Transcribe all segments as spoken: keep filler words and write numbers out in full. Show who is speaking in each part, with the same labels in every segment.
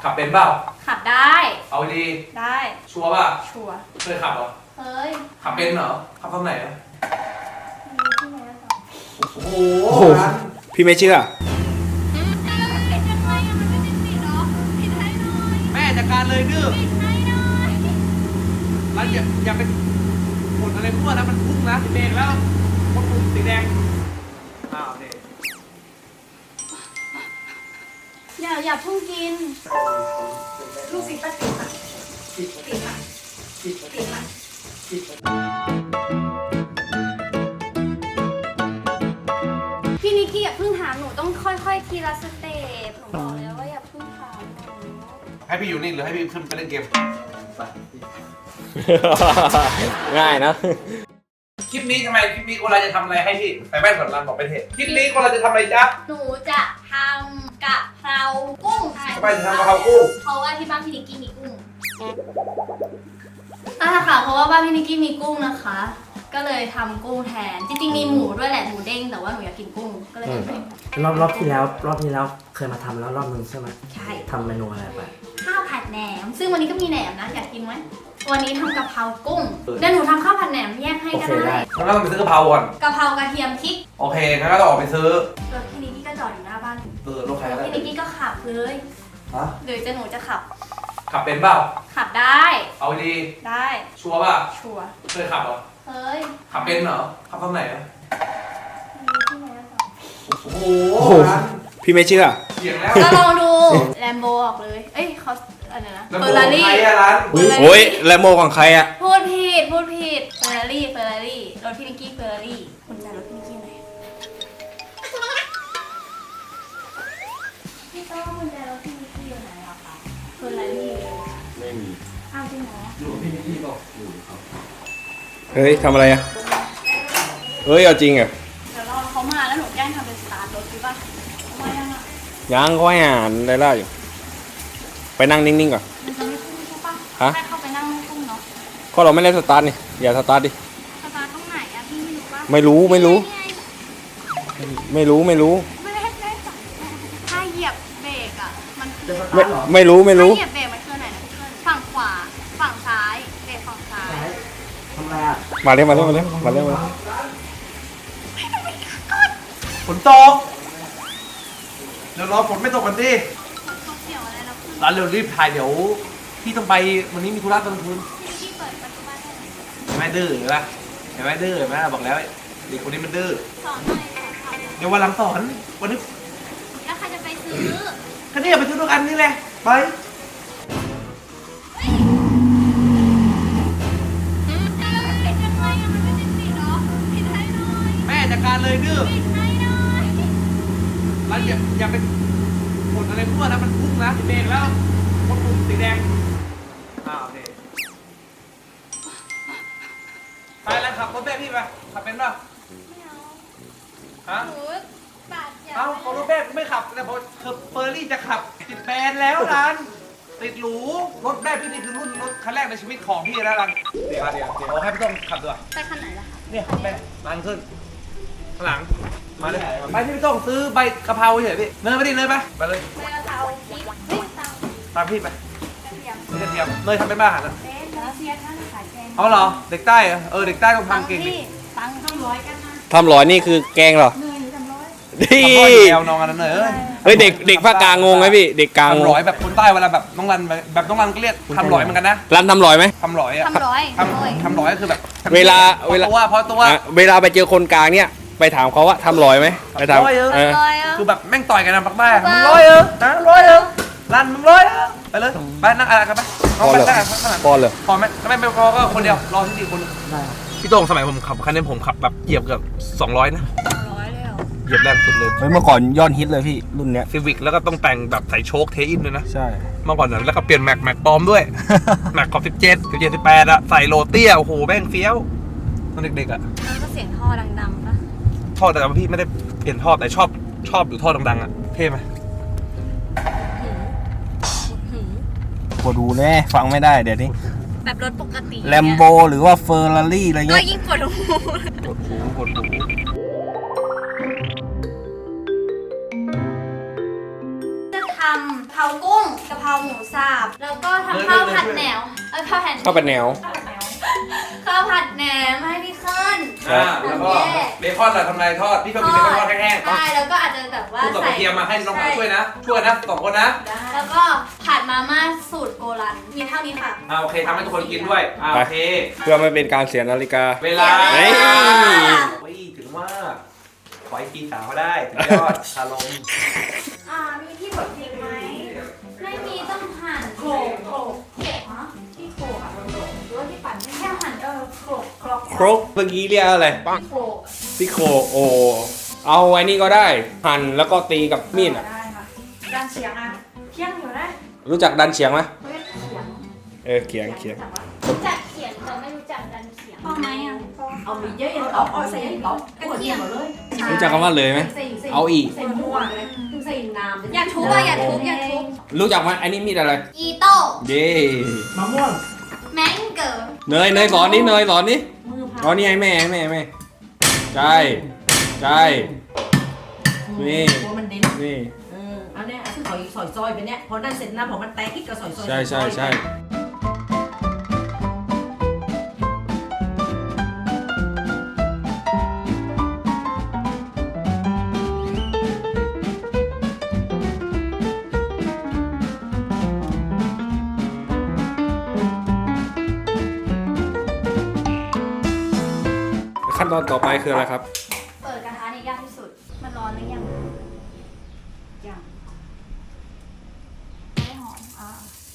Speaker 1: ขับเป็นเปล่า
Speaker 2: ขับได้
Speaker 1: เอาดี
Speaker 2: ได้
Speaker 1: ชัวร์ป่ะ
Speaker 2: ชัวร์
Speaker 1: เคยขับเหรอ
Speaker 2: เคย
Speaker 1: ขับเป็นเหรอขับตรงไหนอ่ะโอ้โห
Speaker 3: พี่ไม่เชื่อ
Speaker 1: แม่จัดการเลยดื้อแล้วอย่าอย่าไปกดอะไรมั่วนะมันพุ่งนะเบรกแล้วกดปุ่มสีแดงอ้าวเด็ก
Speaker 2: อย่าอย่าพุ่งกินลูกศิษย์ป้าติ๋มอ่ะติ๋มอ่ะติ๋มอ่ะพี่นิกกี้อย่าเพิ่งถามหนูต้องค่อยๆทีละสเต็ปหนูบอกแล้วว่าอย่าเพิ่งถามหนู
Speaker 1: ให้พี่อยู่นี่หรือให้พี่ขึ้นไปเล่นเกม
Speaker 3: ง่ายนะ
Speaker 1: คลิปนี้ทำไมคลิปนี้คนเราจะทำอะไรให้พี่ใส่แว่นก่อนรันบอกไปเถอะคลิปนี้คนเราจะทำอะไรจ๊ะ
Speaker 2: หนูจะทำกะเพรากุ้ง
Speaker 1: ทำไมถึงทำกะเพรากุ้ง
Speaker 2: เพราะว่าที่บ้านพี่นิกกี้มีกุ้งอ่ะค่ะเพราะว่าบ้านพี่นิกกี้มีกุ้งนะคะก็เลยทำกุ้งแทนจริงๆมีหมูด้วยแหละหมูเด้งแต่ว่าหนูอยากกินกุ้งก็เลยทำ
Speaker 4: รอบรอบที่แล้วรอบที่แล้วเคยมาทำแล้วรอบนึงใช่ไหม
Speaker 2: ใช่
Speaker 4: ทำเมนูอะไรไป
Speaker 2: ข้าวผัดแหนมซึ่งวันนี้ก็มีแหนมนะอยากกินไหมวันนี้ทำกะเพรากุ้งเดี๋ยวหนูทำข้าวผัดแหนมแยกให้ก็ได้
Speaker 1: งั้นเราไปซื้อกะเพราก่อน
Speaker 2: กะเพรากระเทียมพริก
Speaker 1: โอเคงั้นก็ต้องออกไปซื้อ
Speaker 2: รถพี่นิกกี้ก็จอดอยู่หน้าบ้าน
Speaker 1: เออรถใครก็ได้
Speaker 2: พี่นิกกี้ก็ขับเลย
Speaker 1: ฮะ
Speaker 2: หรือจะหนูจะขับ
Speaker 1: ขับเป็นเปล่า
Speaker 2: ขับได้
Speaker 1: เอาดี
Speaker 2: ได้
Speaker 1: ชัวร์ป่ะ
Speaker 2: ชัวร์
Speaker 1: เคยขับเหรอ
Speaker 2: เคย
Speaker 1: ขับเป็นเหรอขับตรงไหนอ่ะโอ้โห
Speaker 3: พี่ไม่เชื่อ
Speaker 1: เสียงแล้ว
Speaker 2: ก็ลองดูแลมโบออกเลยเอ้ยเขาอะไรนะ
Speaker 1: เฟอร์รารี่ร้าน
Speaker 3: โอ้ยแลมโบของใครอ่ะ
Speaker 2: พูดผิดพูดผิดเฟอร์รารี่เฟอร์รารี่รถพี่นิกกี้เฟอร์รารี่คุณจ่ายรถพี่นิกกี้ไหนพี่ต้องคุณจ่ายรถพี่นิกกี้อยู่ไหนหรอคะเฟอร์รารี่
Speaker 3: ไม่มี
Speaker 2: อ้าวจริงเหรอ
Speaker 1: อยู่พี่นิกกี้บอกอยู่ครับ
Speaker 3: เฮ้ยทำอะไรอ่ะเฮ้ยเอาจริงอ่ะ
Speaker 2: เดี๋ยวรอเขามาแล้วหนูแกล้งทำเป็นสตาร์ทรถดีป่ะมายังอ่ะ
Speaker 3: ยังก็ให้อ่านได้ล่าอยู่ไปนั่งนิ่งๆก่อน
Speaker 2: มันจะไม่พุ่งใช่ป่ะ
Speaker 3: ฮะ
Speaker 2: แค่เข้าไปนั่งไม่พุ่งเนาะ
Speaker 3: ก็เราไม่ได้สตาร์ทนี่อย่าสตาร์ทดิ
Speaker 2: สตาร์ทตรงไหนอ่ะพี่ไม่รู้ป่ะ
Speaker 3: ไม่รู้ไม่รู้ไม่รู้ไม่รู้
Speaker 2: ไม่ได้ไม่ได้ถ้าเหยียบเบรกอ่ะมัน
Speaker 3: ไม่ไม่รู้ไม่รู้
Speaker 2: ถ้าเหยียบเบรกมันคือไหนนะฝั่งขวาฝั่งซ้ายเบรกฝั่งซ้าย
Speaker 4: ทำไรอ่ะ
Speaker 3: มาเร็วมาเร็วมาเร็วมาเร็วมา
Speaker 1: ฝนตกเดี๋ยวรอฝนไม่ตกกันดิร้านเร็วรีบถ่ายเดี๋ยวพี่ต้องไปวันนี้มีธุระตอนคืน
Speaker 2: พี่เปิดประตูบ้าน
Speaker 1: แม่ดื้อเห็นปะเห็นไหมดื้อเห็นไหมบอกแล้วเด็กคนนี้มันดื้อ
Speaker 2: สอนหน่อยสอน
Speaker 1: เดี๋ยววันหลังสอนวันนี้
Speaker 2: แล้วใครจะไปซื้อ
Speaker 1: ก็นี่ไปซื้อด้วยกันนี่แหละไปแม่จัดการเลยดื้อแล้วอย่าอย่าไปกดอะไรมั่วนะมันพุ่งนะเบรกแล้วกดปุ่มสีแดงอ้าวโอเคไปแล้วขับรถแม่พี่ไปขับเป็นป่ะ
Speaker 2: ไม่เอา
Speaker 1: ฮะ
Speaker 2: หนูบาดเจ็บ
Speaker 1: เอาพอรถแม่ไม่ขับแต่พอเฟอร์รี่จะขับติดแบนแล้วรันติดหรูรถแม่พี่นี่คือรุ่นรถคันแรกในชีวิตของพี่แล้วรันเดี๋ยวเดี๋ยวเดี๋ยวเอาให้พี่ต้องขับด้วย
Speaker 2: ไปคันไหนล่ะคะ
Speaker 1: เนี่ยแม่รันขึ้นข้างหลังมาเลยไปที่พี่ต้องซื้อใบกะเพราเฉยพี่เนยไปดิเนยไปไปเลย
Speaker 2: ใบกะเพราพริกเฮ้ยเตา
Speaker 1: ตามพี่ไป
Speaker 2: กระเทียม
Speaker 1: กระเทียมเนยทำเป็นบ้าหันแล้ว
Speaker 2: เป็นแล้วเสียค่าขายแกง
Speaker 1: เอาเหรอเด็กใต้เหรอเออเด็กใต้ต้องทำเก่งดิ
Speaker 2: ตังค์ต้องร้อยกันนะ
Speaker 3: ทำร้อยนี่คือแกงเหรอ
Speaker 2: เนยหรือทำร้อย
Speaker 3: ดี
Speaker 1: แนวนองกันนั่นเลย
Speaker 3: เฮ้ยเด็กเด็กภาคกลางงงไหมพี่เด็กกลาง
Speaker 1: ทำร้อยแบบคนใต้เวลาแบบน้องรันแบบน้องรันก็เรียกทำร้อยเหมือนกันนะ
Speaker 3: รันทำร้อยไหม
Speaker 1: ทำร้อยอะ
Speaker 2: ทำร้อย
Speaker 1: ทำทำร้อยก็คือแบบ
Speaker 3: เวลาเวลา
Speaker 1: ตัวพอตัว
Speaker 3: เวลาไปเจอคนกลางเนี่ยไปถามเขาว่าทำร้อยไหมไปถาม
Speaker 1: คือแบบแม่งต่อยกันนะปักบ้ามึงร้อยเออนะร้อยเออรันมึงร้อยเออไปเลยไปนั่งอะไรกันไป
Speaker 3: พอเลยพอเลย
Speaker 1: พอไหมไม่ไม่พอก็คนเดียวรอที่สี่คนพี่โต้งสมัยผมขับคันนี้ผมขับแบบเหยียบเกือบสองร้อยนะ
Speaker 2: ร้อยเลยเหรอ
Speaker 1: เหยียบแรงสุดเลย
Speaker 3: เฮ้ยเมื่อก่อนยอดฮิตเลยพี่รุ่นเนี้ย
Speaker 1: ซีวิกแล้วก็ต้องแต่งแบบใส่โชคเทอินด้วยนะ
Speaker 3: ใช่
Speaker 1: เมื่อก่อนนั้นแล้วก็เปลี่ยนแม็กแม็กปลอมด้วยแม็กขอบสิบเจ็ดสิบเจ็ดสิบแปดอะใส่โรเตี้ยโอ้โหแม่งเฟี้ยวตอนเด็กๆอะ
Speaker 2: แล้วก็เสียงท่อดังๆปะ
Speaker 1: ท่อแต่ว่าพี่ไม่ได้เปลี่ยนท่อแต่ชอบชอบอยู่ท่อดังๆอะเท่ไหม
Speaker 3: ปวดหูแน่ฟังไม่ได้เดี๋ยวนี้
Speaker 2: แบบรถปกติ
Speaker 3: แลมโบหรือว่าเฟอร์รารี่อะไรเงี้ย
Speaker 2: ก็ยิ่งปวดหู
Speaker 1: ปวดหูปวดหู
Speaker 2: จะทำเพรากุ้งกะเพราหมูสับแล้วก็ทำข้าวผัดแหนวเอ้ยข้าวผัด
Speaker 3: เข้าเป็นแนว
Speaker 2: ข้าวผัดแหนมให้พี่ขึ้น
Speaker 1: อ่าแล้วก็เบคอนล่ะทำไรทอดพี่ชอบกินเบคอนทอดแห้งๆ
Speaker 2: ใช่แล้วก็อาจจะแบบว่า
Speaker 1: คู่กับก
Speaker 2: ใส่
Speaker 1: ระเทียมมาให้น้องหมาช่วยนะ ช่วยนะสองคนนะ
Speaker 2: แล้วก็ผัดมาม่าสูตรโกรันมีเท่านี้ค่ะ
Speaker 1: อ่าโอเคทำให้ทุกคนกินด้วยอ่าโอเค
Speaker 3: เพื่อไม่เป็นการเสียนาฬิกา
Speaker 1: เวลา
Speaker 3: เฮ้ย
Speaker 1: โอ้ยถึงว่าขอให้กินสาวได้สุดยอดคารม
Speaker 2: อ่ามีที่บดพริกไหมไม่มีต้องหั่นโขลกโขลกโขลกฮะที่โขลกอะหรือว่าที่ปั่นแค่หั่นเออโขลกโขลก
Speaker 3: ครกเมื่อกี้เรียกอะไร
Speaker 2: โขลก
Speaker 3: พี่โคโอ เอาไว้นี่ก็ได้ หั่นแล้วก็ตีกับมีดอ่ะ
Speaker 2: ได้ค่ะด้านเฉียงอ่ะเคียงอยู่นะ
Speaker 3: รู้จักดันเฉียงไหม
Speaker 2: เฮ้ยเฉียง
Speaker 3: เออเขียงเขียง
Speaker 2: รู้จักเขียงแต่ไม่รู้จักดันเขียงพอไหมอ่ะ
Speaker 5: เอามีเยอะๆเอาเอาใส่เอากระเทียมหมดเลย
Speaker 3: รู้จักคำว่าเลยไหม
Speaker 5: ใส่ใส่
Speaker 3: เอาอีก
Speaker 5: ใส่มั่วเลยถึงใส่น้ำ
Speaker 2: อย่าทุบอ่ะอย่าทุบอย่าทุบ
Speaker 3: รู้จักไหมอันนี้มีดอะไร
Speaker 2: อีโต้
Speaker 3: เย่
Speaker 4: มะม่วง
Speaker 2: แมงเกิร์
Speaker 3: เนยเนยสอนนี่เนยสอนนี่
Speaker 5: มือพั
Speaker 3: อ๋อนี่ให้แม่ให้แม่ให้แม่ใช่ใช่นี่
Speaker 5: หัวมันเด่น
Speaker 3: นี่
Speaker 5: เอออันเนี้ยคือเขาซอยซอยไปเนี้ยพอนั่นเสร็จนะพอมันแตกที่ก็ซอยซอย
Speaker 3: ใช่ใช่ใช่ขั้นตอนต่อไปคืออะไรครับ
Speaker 2: เปิดกระทะนี่ยากที่สุดมันร้อนหรือยังยังไม่หอมอ่ะ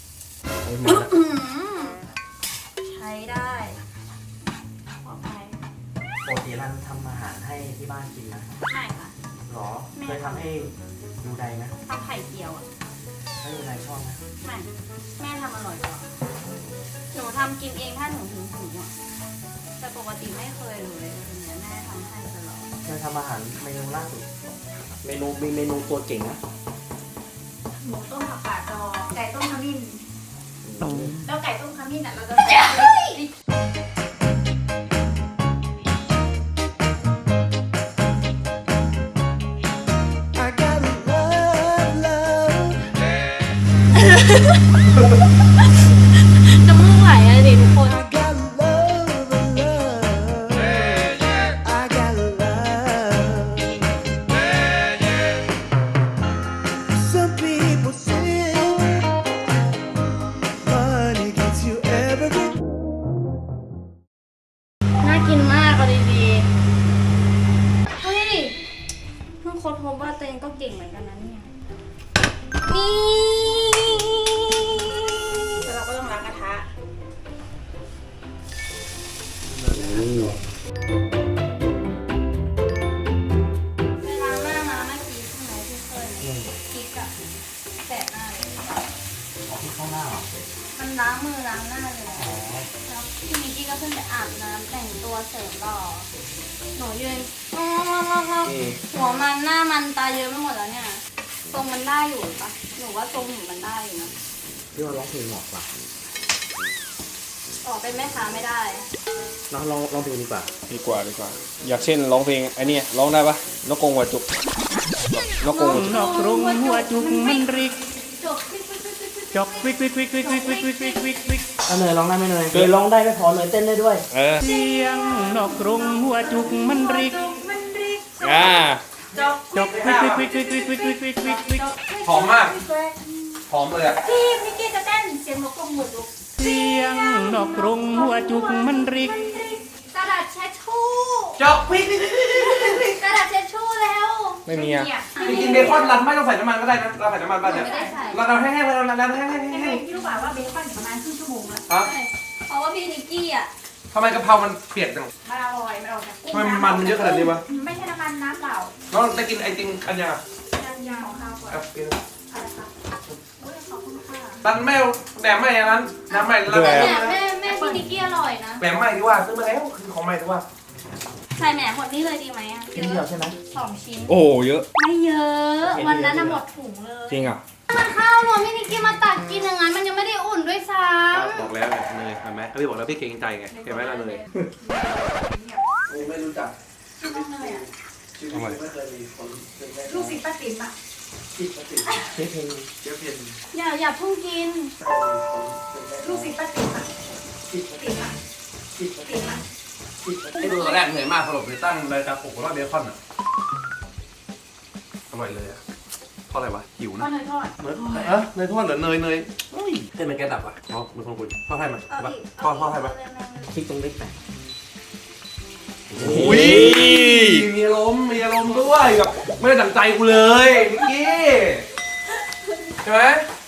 Speaker 2: ใช้ได้พอไป
Speaker 4: ปกติรันทำอาหารให้ที่บ้านกินนะ
Speaker 2: ไม่ค่ะ
Speaker 4: หรอเคยทำให้ดูไดไหม
Speaker 2: ทำไข่เจียวอ่ะ
Speaker 4: ให้ดูไดชอบไหม
Speaker 2: ไม่แม่ทำอร่อยกว่าหนูทำกินเองถ้าหนูถึงหูอ่ะแต่ปกติไม่เคยเลยอย่างเงี้ยแม่ทำให้ตลอด
Speaker 4: เคยทำอาหารเมนูล่าสุดเมนูมีเมนูตัวเก่งนะ
Speaker 2: หมูต้มผักกาดดองไก่ต้มขมิ้นแล้วไก่ต้มขมิ้นอ่ะเราจะใส่ น้ำมูกไหลอะดิทุกคน
Speaker 6: Some people say money gets you everything.
Speaker 2: น่ากินมากเอาดีๆเฮ้ยเพิ่งค้นพบว่าตัวเองก็เก่งเหมือนกันนะเนี่ยนี่แล้วเราก็ต้องล้างกระทะไปล้างหน้ามาเมื่อกี้ใช่ไหมที่เคยพริกอะแสบหน้าเลย
Speaker 4: ออกที่ข้างหน้าเหรอ
Speaker 2: มันล้างมือล้างหน้าเลยแล้วพี่มิกกี้ก็เพิ่งไปอาบน้ำแต่งตัวเสริมหล่อหนูยืนหัวมันหน้ามันตาเยอะไปหมดแล้วเนี่ยทรงมันได้อยู่ปะหนูว่าทรงหนูมันได้อยู่นะ
Speaker 4: พี่ว่าร้องเพลงเหมาะกว่า
Speaker 2: ออกเป็นแม่ค้าไม่ได้
Speaker 4: เราลองลองเพลงดีกว่า
Speaker 3: ดีกว่าดีกว่า อยากเช่นร้องเพลงไอ้นี่ร้องได้ปะนกกรงหัวจุกนกกรงหัวจุก
Speaker 6: นอกกรงหัวจุกมันริก
Speaker 2: จบ
Speaker 6: จอกวิกวิกวิกวิกวิกวิกวิกวิกวิกวิก
Speaker 4: เอาเนยร้องได้ไหมเนยเนยร้องได้ไม่พอเนยเต้นได้ด้วย
Speaker 3: เออ
Speaker 6: เสียงนอกกรงหัวจุกมันริก
Speaker 3: อ่า
Speaker 6: จอกวิกวิกวิกวิกวิกวิกวิกวิกวิกวิก
Speaker 1: หอมมากหอมเลยอะ
Speaker 2: พี่มิกกี้จะเต้นเสียงนกกรงหัวจุก
Speaker 6: เสียงนอกกรงหัวจุกมันริก
Speaker 2: กระดาษเช็ดชู่
Speaker 1: จอกพริก
Speaker 2: กระดาษเช็ดชู่แล้ว
Speaker 3: ไม่มีอ่ะ
Speaker 1: จริงๆเบคอนรันไม่ต้องใส่น้ำมันก็ได้นะเราใส่น้ำมันป่ะเนี่ย
Speaker 2: ไม่ได้ใส่
Speaker 1: เราเราแห้งๆเลยเราเราแห้งๆแห้ง
Speaker 5: พี่รู้ป่าว่าเบคอนประมาณครึ่งชั่วโมงแล้ว
Speaker 1: ๆครับ
Speaker 2: เพราะว่าพี่นิกกี้อ่ะ
Speaker 1: ทำไมกะเพรามันเปียกจัง
Speaker 5: มันอร่อยมันออกจากกุ้ง
Speaker 1: ทำไมมันมันเยอะขนาดนี้วะ
Speaker 5: ไม่ใช่น้ำมันน้ำเปล่า
Speaker 1: น้องจะกินไอติมอันยังอ่ะ
Speaker 5: ยางของข้าวก่อน
Speaker 1: เอากิน
Speaker 5: อะไรคะโอ้ยขอบคุณค่ะ
Speaker 1: รันไม่เอาแหนมใหม่อันนั้นแหนมใหม่รัน
Speaker 3: แหน
Speaker 2: เนี่ยแม่แม่พี่นิกกี้อร่อยนะ
Speaker 1: แหนมใหม่ดีกว่าซื้อมาแล้วคือของใหม่ดีกว่า
Speaker 2: ใส่แหนมหมดนี่เลยดีไหมอ่ะ
Speaker 4: กินเดียวใช่ไหม
Speaker 2: สองชิ้น
Speaker 3: โอ้โหเยอะ
Speaker 2: ไม่เยอะ วันนั้นน่ะหมดถุงเลย
Speaker 3: จริงอ่ะ
Speaker 2: มันข้าวหนูพี่นิกกี้มาตักกินอย่างนั้นมันยังไม่ได้อุ่นด้วยซ้
Speaker 1: บอกแล้วไงเนยเห็นไหมพี่บอกแล้วพี่เกรงใจไงเห็นไหมล่ะเนยไม่รู้จัก
Speaker 2: ำต้องเลยอ่ะ
Speaker 1: ชีวิตไม่เคยมีคน
Speaker 5: ลูกศิษย์ป้าติ๋มอ่ะ
Speaker 4: ติดติดเชฟเพนเชฟเพน
Speaker 2: อย่าอย่าเพิ่งกิน
Speaker 5: ลูกศิษย์ป้าติ๋มอ่ะ
Speaker 4: ติด
Speaker 5: ติ๋มอ่ะ
Speaker 4: ติด
Speaker 5: ติ๋มอ่ะ
Speaker 4: ติด
Speaker 1: ไอ้ดูตอนแรกเหนื่อยมากสรุปเลยตั้งรายการปลุกว่าเบคอนอ่ะอร่อยเลยอ่ะเพราะอะไรวะหิว
Speaker 2: ข้า
Speaker 1: นะ
Speaker 2: วเนยทอด
Speaker 1: เนยเออเนยทอดเหรอเนยเนยเฮ้ยเต้นเป็นแกดับอ่ะอ๋อเป็นคนคุยทอดให้มัน
Speaker 2: เอา
Speaker 1: ปะ
Speaker 2: อีก
Speaker 1: ทอดทอดให้มัน
Speaker 4: คลิกตรงเลขแปด
Speaker 1: อุ้ยมีอารมณ์มีอารมณ์ด้วยแบบไม่ได้ดั่งใจกูเลยนิกกี้ใช่ไหม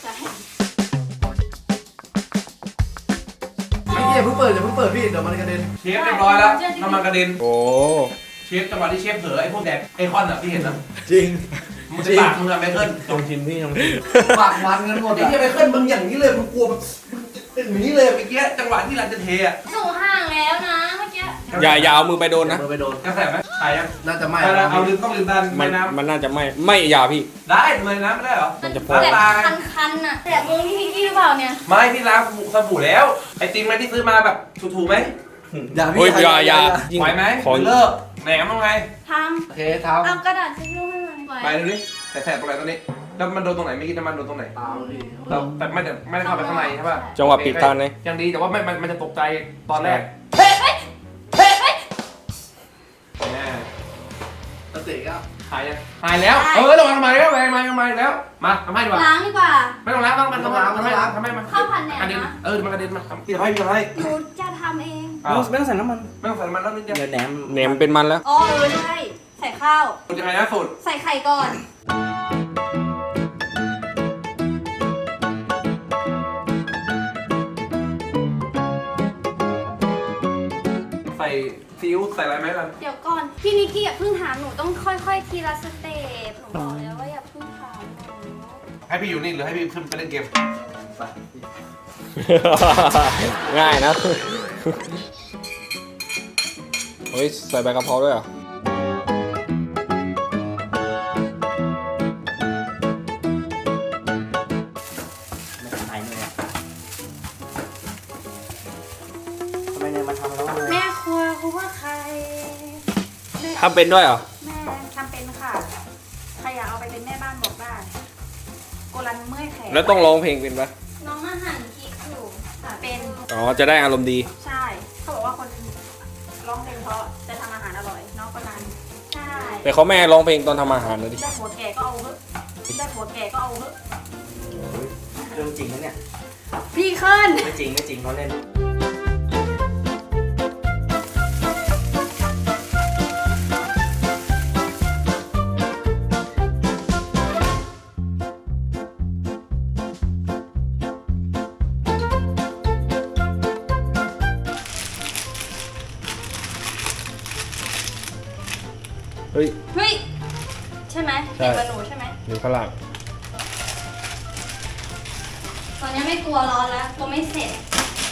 Speaker 4: พี่อย่าเพิ่งเปิดอย่าเพิ่งเปิดพี่เดี๋ยวมันกระเด็น
Speaker 1: เชฟเรียบร้อยแล้วน้ำมันกระเด็น
Speaker 3: โอ้
Speaker 1: เชฟจังหวะที่เชฟเผลอไอ้พวกแดกไอคอนอ่ะพี่เห็นนะ
Speaker 4: จริง
Speaker 1: มึงจะปากมึงอะไมเคิล
Speaker 4: ลองชิมพี่ลองชิมปากมันกันหมดไอ้ที่ไมเคิลมึงอย่างนี้เลยมึงกลัวแบบอย่างนี้เลย
Speaker 1: เมื่อกี้จังหวะที่รันจะเทอ่ะ
Speaker 2: หนูห่างแล้วนะเมื่อกี้
Speaker 3: อย่าอย่าเอามือไปโดนนะ
Speaker 4: มือไปโดน
Speaker 1: กระแสไหมใช่ยัง
Speaker 4: น่าจะไหม้
Speaker 1: เอาละเอาลืมต้องลืมดัน
Speaker 3: มั
Speaker 1: ไม่
Speaker 3: น
Speaker 1: น้
Speaker 3: มันน่าจะไม่ไม่อย่าพี่
Speaker 1: ำได้เลยน้ำไม่ได้เหรอ
Speaker 3: มันจะพ
Speaker 2: แบ
Speaker 3: อ
Speaker 2: บคันๆน่ะแต่มือพี่นิกกี้หรือเปล่าเนี่ย
Speaker 1: ไม่พี่ล้างสบู่สบู่แล้วไอติมมันที่ซื้อมาแบบถูกๆไหม
Speaker 4: อย่า
Speaker 3: โอ้ย
Speaker 4: พี่
Speaker 3: อย่าอย่า
Speaker 1: ไหวไหม
Speaker 3: ขอ
Speaker 1: เลิกแหนมทำไง
Speaker 2: ท
Speaker 4: โอเคท
Speaker 2: ำเอากระดาษเช็ดรูปให้หน่อย
Speaker 1: ไปดูดิแต่แสบตรงไหนตรงนี้แล้วมันโดนตรงไหนไม่คิดน้ำมันโดนตรงไหน
Speaker 4: ำตามพี่
Speaker 1: แต่แต่ไม่ได้ไม่ได้เข้าไปข้างในใช่ป่ะ
Speaker 3: จังหวะปิดทางเลย
Speaker 1: ยังดีแต่ว่าไม่มันมันจะตกใจตอนแรก
Speaker 2: เฮ้ยเฮ้ยเฮ้ยเฮ้ย
Speaker 1: แน่
Speaker 4: สติก็
Speaker 1: หายยังหายแล้วเออระวังทำไมแล้วแรงมาทำไมแล้วมาทำให้ดีกว่า
Speaker 2: ล้างดีกว่า
Speaker 1: ไม่ต้องล้างต้องมันต้องล้างทำไมล้างทำไมมัน
Speaker 2: ข้าวผัดแหนมนะ
Speaker 1: กระเด็นเออมันกระเด็นมาทำพี่ให้พี่ให้
Speaker 2: หนูจะทำเอง
Speaker 4: ไม่ต้องใส่น้ำมัน
Speaker 1: ไม่ต้องใส่น้ำมันแล้วนิดเดียว
Speaker 4: เดี๋ยวแหนม
Speaker 3: เนมเป็นมันแล้ว
Speaker 2: อ๋อเออใช่ใส่ข้าว
Speaker 1: สูตรยังไงนะสูตร
Speaker 2: ใส่ไข่ก่อน
Speaker 1: ใส่ซีอิ๊วใส่อะไรไหมล่ะ
Speaker 2: เดี๋ยวก่อนพี่นิกกี้อย่าเพิ่งถามหนูต้องค่อยๆทีละสเต็ปหนูบอกแล้วว่าอย่าเพิ่งถามหนู
Speaker 1: ให้พี่อยู่นี่หรือให้พี่ขึ้นไปเล่นเกม
Speaker 3: ง่ายนะเฮ้ยใส่ใบกะเพราด้วยเหรอ
Speaker 4: ไม่ทำไมเนี่ยทำไมเนี่ยมาทำแล้วเลย
Speaker 2: แม่ครัวครัวใครแม่
Speaker 3: ทำเป็นด้วยเหรอ
Speaker 2: แม่ทำเป็นค่ะใครอยากเอาไปเป็นแม่บ้านบอกได้โกลันเมื่อยแขน
Speaker 3: แล้วต้องร้องเพลงเป็นปะ
Speaker 2: น้องมาหั่นพริกอยู่ค่ะเป็น
Speaker 3: อ๋อจะได้อารมณ์ดี
Speaker 2: ใช่เขาบอกว่าคนร้องเพลงเพราะจะทำอาหารอร่อยน้องโกลันใช่
Speaker 3: แต่เขาไม่ให้ร้องเพลงตอนทำอาหารนะดิ
Speaker 2: ได้หัวแก่ก็เอาเถอะได้หัวแก่ก็เอาเถอะ
Speaker 4: เรื่องจริงนะเนี่ย
Speaker 2: พี่เคิล
Speaker 4: ไม่จริงไม่จริงเขาเล่น
Speaker 3: เฮ้ย
Speaker 2: เฮ้ยใช่ไหม
Speaker 3: ใช่
Speaker 2: เด็กกับหนูใช่ไหม
Speaker 3: อยู่ข้างล่าง
Speaker 2: ตอนนี้ไม่กลัวร้อนแล้วกลัวไม่เสร็จ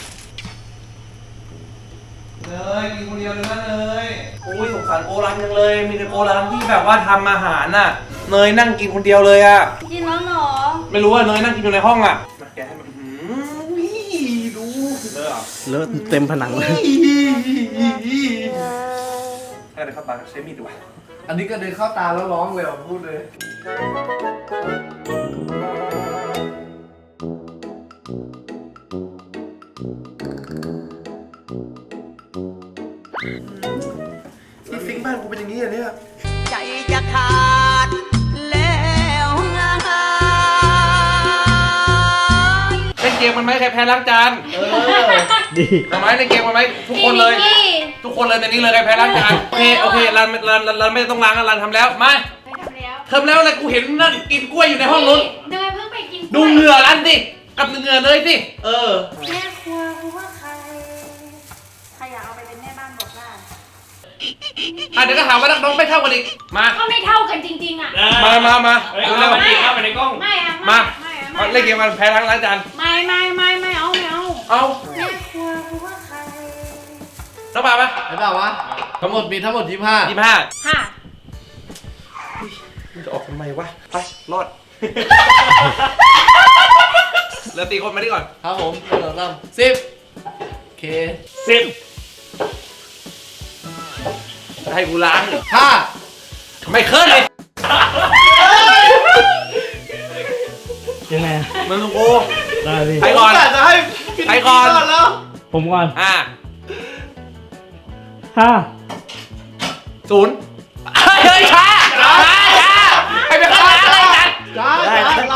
Speaker 1: เลยกินคนเดียวเลยนะเลยโอ้ยสงสารโกรันจังเลย มีแต่โกรันที่แบบว่าทำอาหารน่ะ เนยนั่งกินคนเดียวเลยอะ
Speaker 2: กินแล้วเหรอ
Speaker 1: ไม่รู้ว่าเนยนั่งกินอยู่ในห้องอะมาแกะให้มันอื้อหืออุ้ยดูเลยเหรอ
Speaker 4: เลอะเต็มผนังเลย
Speaker 1: ให้เดี๋ยวเข้าตาใช้มีดดีกว่า
Speaker 4: อันนี้ก็เดินเข้าตาแล้วร้องเลยอ่ะพูดเลย
Speaker 1: ที่ซิงค์บ้านกูเป็นอย่างนี้อ่ะเนี่ย
Speaker 7: ใจจะขาดแล้วไง
Speaker 1: เล่นเกมมันไหมใครแพ้ล้างจาน
Speaker 4: เออ ดี
Speaker 1: ทำไมเล่นเกมมันไหมทุกคนเลย
Speaker 2: พี่
Speaker 1: ทุกคนเลยในนี้เลยใครแพ้ล้างจานโอเคโอเครันรันรันรันไม่ต้องล้างรันทำแล้วมา
Speaker 2: ไม่ทำแล้ว
Speaker 1: ทำแล้วเลยกูเห็นนั่นกินกล้วยอยู่ในห้องนู้น
Speaker 2: เนยเพิ่งไปกิน
Speaker 1: ดูเหงื่อรันสิกับเหงื่อเลยสิเออ
Speaker 2: แม่ครัวครัวใครใครอยากเอาไปเป็นแม่บ้านบอกได้
Speaker 1: อ่ะเดี๋ยวก็หาว่านักน้องไม่เท่ากันอีกมา
Speaker 2: ก็ไม่เท่ากันจริงๆอ่ะ
Speaker 1: มามามา
Speaker 6: เฮ้ย
Speaker 1: เร็ว
Speaker 6: เอา
Speaker 1: เร็ว
Speaker 6: ไปดิเอาไปในกล้อง
Speaker 2: ไม่อะ
Speaker 1: มา
Speaker 2: ไม่อะ
Speaker 1: เอา
Speaker 2: ไม่
Speaker 1: เล่นเกมมันแพ้ล้างล้างจาน
Speaker 2: ไม่ไม่ไม่ไม่เอาไม่เอา
Speaker 1: เอา
Speaker 2: แม่ครัวครัวใคร
Speaker 1: น้องปาปะ
Speaker 4: เห็นเปล่าวะ ทั้งหมดมีทั้งหมดยี่สิบห้า
Speaker 1: ยี่สิบห้า
Speaker 2: ค่ะ
Speaker 1: มันจะออกทำไมวะไปรอดเหลือตีคนมาดิก่อน
Speaker 4: ครับผมหนึ่งสองสามสิบโอเค
Speaker 6: สิบ
Speaker 1: ให้กูล้าง
Speaker 4: ห้า
Speaker 1: ไม่เคยเลย
Speaker 8: ยังไง
Speaker 1: มึงกู
Speaker 8: ได้พี่
Speaker 1: ใครก่อน
Speaker 4: จะให้พี่
Speaker 1: ใครก่อน
Speaker 4: แล้ว
Speaker 8: ผมก่อน
Speaker 1: อ่า
Speaker 8: ห้า
Speaker 1: ศูนย์เฮ้ยช้าช้าช้าใครเป็นคนล้างอะไรกัน
Speaker 4: ได้ได้ได้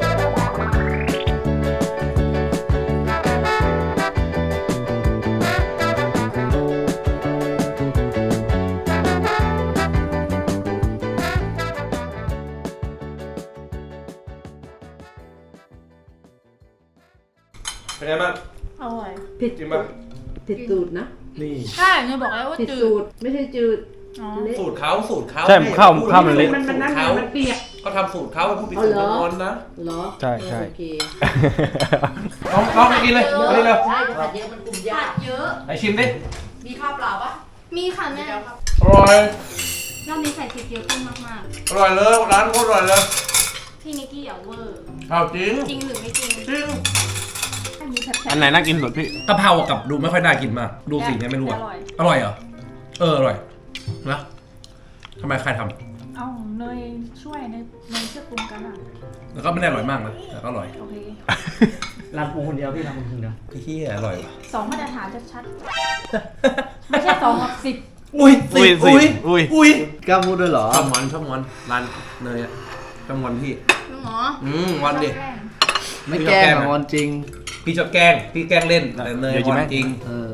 Speaker 1: เป็นไงบ้าง
Speaker 2: อร่อย
Speaker 5: ผิด
Speaker 1: กินป่ะ
Speaker 5: ผิดสูตรนะ
Speaker 8: นี่
Speaker 2: ใช่หนูบอกแล้วว่า
Speaker 5: ผิด
Speaker 2: จื
Speaker 5: สู
Speaker 2: ด
Speaker 5: ตรไม่ใช่จืด
Speaker 2: อ๋อ
Speaker 5: เละ
Speaker 1: สูตรเขาสูตรเขา
Speaker 3: ใช่ข้าวข้าวมันเละ
Speaker 5: มันมันนั่นไงมันเปียก
Speaker 1: เขาทำสูตรเขาผู้ผิดสูตรมันงอนนะ
Speaker 5: เหรอ
Speaker 3: ใช่ใช่
Speaker 5: โอเค
Speaker 1: ลองลองไปกินเลยมาดิเร็ว
Speaker 5: ใช่จะผัดเยอะมันกลุ่มยา
Speaker 2: ผั
Speaker 5: ก
Speaker 2: ดเยอะ
Speaker 1: ไหนชิมดิ
Speaker 5: มีข้าวเปล่าปะ
Speaker 2: มีค่ะแม่
Speaker 1: อร่อย
Speaker 2: รอบนี้ใส่พริกเยอะขึ้นมาก
Speaker 1: อร่อยเลยร้านโคตรอร่อยเลย
Speaker 2: ๆ พี่นิกกี้อย่าเวอร์
Speaker 1: เอาจริง
Speaker 2: จริงหรือไม่จริง
Speaker 1: จริง
Speaker 2: อันนี้แซ่บ
Speaker 3: อันไหนน่ากินสุดพี่
Speaker 1: กะเพรากับดูไม่ค่อยน่ากินมาก ดูสีเนี่ยไม่รู้อะ
Speaker 2: อร่อย
Speaker 1: อร่อยเหรอ เอออร่อยนะทำไมใครท
Speaker 9: เอาเนยช่วยในในเครื่องปรุงกันอ่ะ
Speaker 1: ำแล้วก็ไม่ได้อร่อยมากนะแต่ก็อร่อย
Speaker 9: โอเค
Speaker 8: รันปรุงคนเดียวพี่ทำคนเดียว
Speaker 1: พี่เฮียอร่อยว่ะ
Speaker 9: สองมาตรฐานชัดๆ ไม่ใช่สองกับสิบ
Speaker 1: อุ้ย
Speaker 3: อุ้ย
Speaker 1: อุ้ย
Speaker 3: อุ้ย
Speaker 1: อุ้ย
Speaker 4: กล้าพูดด้วยเหรอ
Speaker 1: ชอบงอนชอบงอนร้านเนยอะชอบงอนพี่
Speaker 2: จริงเหรอ
Speaker 1: อืมงอนดิ
Speaker 9: ชอบแกล้ง
Speaker 4: ไม่แกล้งอะงอนจริง
Speaker 1: พี่ชอบแกล้ง พี่แกล้งเล่น แต่เนย
Speaker 3: เดี๋ยว
Speaker 1: ง
Speaker 3: กิน
Speaker 1: อ
Speaker 3: ไหม
Speaker 1: นจริง
Speaker 4: เออ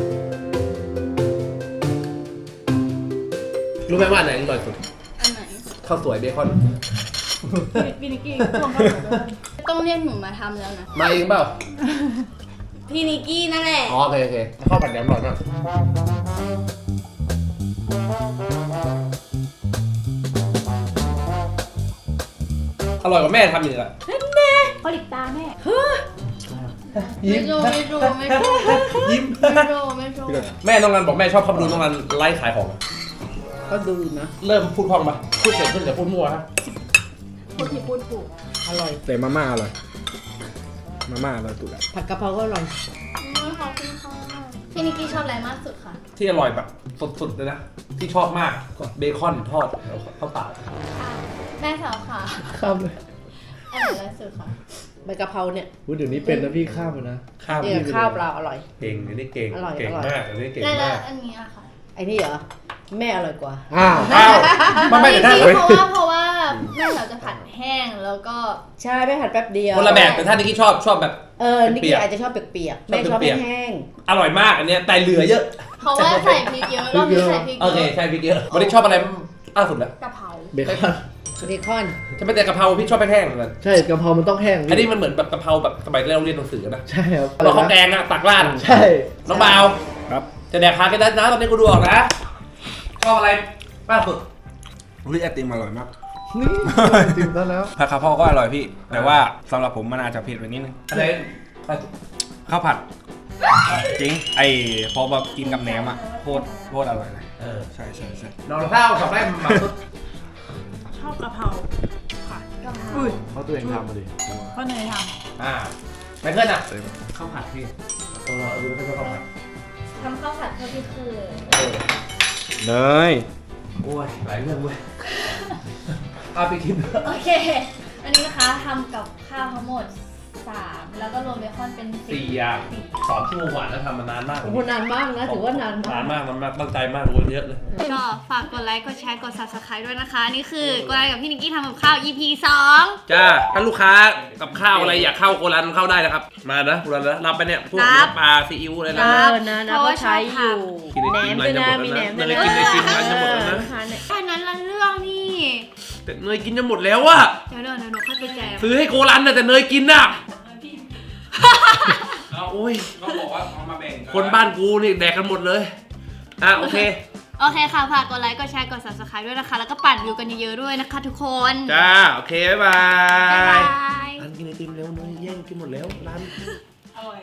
Speaker 1: รู้ไหมว่าอันไหนอร่อยสุด
Speaker 2: อันไหน
Speaker 1: ข้าวสวยเบคอน
Speaker 9: พี่นิกกี้ช่วงเข้าหนูด้วย
Speaker 2: ต้องเรียกหนูมาทำแล้วนะ
Speaker 1: มาเองเปล่า
Speaker 2: พี่นิกกี้นั่นแหละ
Speaker 1: อ๋อโอเคโอเคข้าวผัดแหนมอร่อยมากอร่อยกว่าแม่ทำอีกอะ
Speaker 9: เขาหลิกตาแม่
Speaker 2: ไม่รู้ไม่รู้ไม่รู้
Speaker 1: ยิ้ม
Speaker 2: ไม่รู้ไม่รู้
Speaker 1: แม่น้องรันบอกแม่ชอบเข้าไปดูน้องรันไลฟ์ขายของอะ
Speaker 5: ก็ดูนะ
Speaker 1: เริ่มพูดคล่องปะพูดเสร็จขึ้นแต่พูดมั่วฮะ
Speaker 9: พูดผิดพูดถูก
Speaker 5: อร่อย
Speaker 3: แต่มาม่าอร่อย มาม่าอร่อยสุดละ
Speaker 5: ผัดกะเพราก็อร่อย
Speaker 2: อืมขอบคุณค่ะพี่นิกกี้ชอบอะไรมากสุดค่ะ
Speaker 1: ที่อร่อยแบบสุดๆเลยนะที่ชอบมากเบคอนทอดข้าวเปล่า
Speaker 2: แม่สาวค่ะ
Speaker 4: ข้ามเลย
Speaker 2: อันไหนอร่อยสุดค่ะ
Speaker 5: ใบกะเพราเนี่ย
Speaker 4: พูดเดี๋ยวนี้เป็นนะพี่ข้ามเลยนะ
Speaker 1: ข้าว
Speaker 5: เนี่ยข้าวเปล่าอร่อย
Speaker 1: เก่งอันนี้เก่ง
Speaker 5: อร่อย
Speaker 1: เก่ง
Speaker 5: อร่อย
Speaker 1: มากอันนี้เก่ง
Speaker 2: แล้ว
Speaker 1: มาก
Speaker 2: อันนี้อะค่ะ
Speaker 5: ไอ้นี่เหรอ แม่อร่อยกว่า
Speaker 4: อ้าว
Speaker 1: อ้าวมันไม่
Speaker 2: จ
Speaker 1: แต่
Speaker 2: ริ
Speaker 1: ถ้าง
Speaker 2: ๆเพราะว่าเพราะว่าแม่สาวจะผัดแห้งแล้วก็
Speaker 5: ใช่ไม่ผัดแป๊บเดียว
Speaker 1: คนละแบบแต่ถ้านิกกี้ชอบชอบแบบ
Speaker 5: เออนิก
Speaker 1: เปี
Speaker 5: กี้
Speaker 1: ยก
Speaker 5: อาจจะชอบเปียกๆ
Speaker 1: ชอบ
Speaker 5: แม่ชอบ
Speaker 1: เปียกๆ
Speaker 5: แห้ง
Speaker 1: อร่อยมากอันเนี้ยแต่เหลือเยอะ
Speaker 2: เพราะว่าใส่พริกเยอะรอบนี้ใส่พริก
Speaker 1: โอเค
Speaker 2: เยอะ
Speaker 1: ใช่พริกเยอะวันนี้ชอบอะไรล่าสุดแล้ว
Speaker 2: กะเพรา
Speaker 4: เบคอน
Speaker 5: ๆเบคอน
Speaker 1: จะไม่แต่กะเพราพี่ชอบแห้งๆเหมือนกัน
Speaker 4: ใช่กะเพรามันต้องแห้ง
Speaker 1: อันนี้มันเหมือนแบบกะเพราแบบสมัยเราเรียนหนังสือนะ
Speaker 4: ใช่ครับ
Speaker 1: เราข้าวแกงอะตักราดอะ
Speaker 4: ใช่
Speaker 1: น้องบาว
Speaker 3: ครับ
Speaker 1: จะแดกคากันได้นะตอนนี้กูดูออกนะชอบอะไรล่าสุด
Speaker 3: อุ้ยไอติมอร่อยมาก
Speaker 4: นี่จริงแล้วแล้ว
Speaker 3: ผัดกะเพราก็อร่อยพี่ แต่ว่าสำหรับผมมันอาจจะเผ็ดไปนิดนึง
Speaker 1: อะไร
Speaker 3: ข้าวผัด จริง ไอพอแบบกินกับแหนมอ่ะโคตรโคตรอร่อยเลย
Speaker 1: เออ
Speaker 3: ใช่ใช่ใช่
Speaker 1: น้องข้าวกับแม่หมักสุด
Speaker 9: ชอบกะเพราค่ะ
Speaker 2: กะเพรา
Speaker 9: อุ้ย
Speaker 4: เขาตัวเองทำมาดิ
Speaker 9: เพราะเนยท
Speaker 1: อ่าไมเคิลอะข้าวผัดพี่เออดูไม่ใช่ข้าวผัด
Speaker 2: ทำข้าวผัดเพื่อพี่คือ
Speaker 1: เออ
Speaker 3: เนย
Speaker 1: โอ้ยหลายเรื่องเว้ยเอาไปกิน
Speaker 2: โอเค อันนี้นะคะทำกับข้าวทั้งหมดสามแล้วก็รวมเบคอนเป็น
Speaker 1: สี่อย่างสองชั่วโมงกว่าแล้วทำมานานมาก
Speaker 5: โอ้โหนานมากนะถือว่านานมาก
Speaker 1: นานมากนานมากตั้งใจมากโอ้ยเยอะเลย
Speaker 2: ก็ฝากกดไลค์ กดแชร์ กด ซับสไครบ์ ด้วยนะคะ นี่คือกดไลค์กับพี่นิกกี้ทำกับข้าว อี พี สอง
Speaker 1: จ้าถ้าลูกค้ากับข้าวอะไรอยากเข้าโกรันเข้าได้นะครับ มานะโกรันนะรับไปเนี่ยพวกน้ำปลาซีอิ๊วอะไร
Speaker 5: เอ
Speaker 1: นะ
Speaker 5: อนะนะก็ใช้อยู่
Speaker 1: กินไอ
Speaker 5: แหน
Speaker 1: ติ
Speaker 5: ม
Speaker 1: ม
Speaker 5: ด้วยนะ
Speaker 1: ร้านจะหมด
Speaker 5: มีแหนม
Speaker 1: แล้
Speaker 5: ด้
Speaker 1: ว
Speaker 5: วย
Speaker 1: นะ
Speaker 5: นะ
Speaker 1: กินไอติมร้านจะหมดแล้วนะ
Speaker 2: แค่นั้นละเรื่องนี่
Speaker 1: แต่เนยกินจะหมดแล้วอะ
Speaker 2: เดี๋ยวเดี๋ยวเดี๋ยวหนูค่อยไปแจก
Speaker 1: ซื้อให้โกรันนะแต่เนยกินน่ะเอาโอ้ย
Speaker 3: ก็บอกว่าเอามาแบ่ง
Speaker 1: คนบ้านกูนี่แดกกันหมดเลยอ่ะโอเค
Speaker 2: โอเคค่ะ ฝากกดไลค์ กดแชร์ กด ซับสไครบ์ ด้วยนะคะ แล้วก็ปั่นวิวกันเยอะๆด้วยนะคะทุกคน
Speaker 1: จ้าโอเคบ๊ายบา
Speaker 2: บ๊าย
Speaker 1: ย
Speaker 2: บาย
Speaker 1: ร้านกินไอติมเร็วเนยแย่งกินหมดแล้วร้าน